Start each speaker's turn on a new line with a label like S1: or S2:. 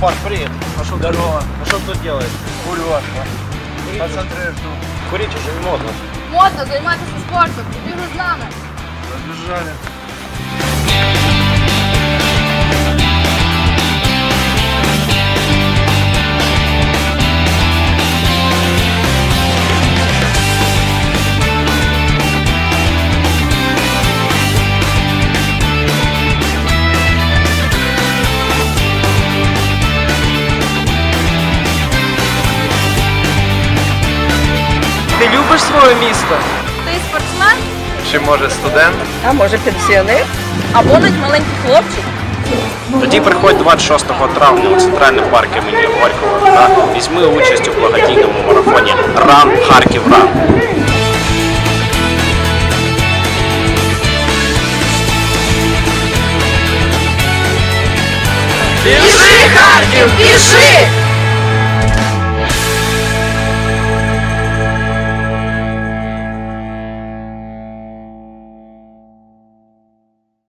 S1: Марк, привет. А что здорово? А что тут делаешь? Курю. Концентрируешь. Курить уже не модно.
S2: Модно займатися спортом. Ти вже з нами.
S1: Разбежали.
S3: Ти любиш своє місто?
S2: Ти спортсмен
S1: Чи може студент?
S4: А може пенсіонер?
S2: або навіть маленький хлопчик.
S5: Тоді приходь 26 травня у центральний парк імені Горького та візьми участь у благодійному марафоні «Ран Харків Ран».
S2: Біжи, Харків, біжи!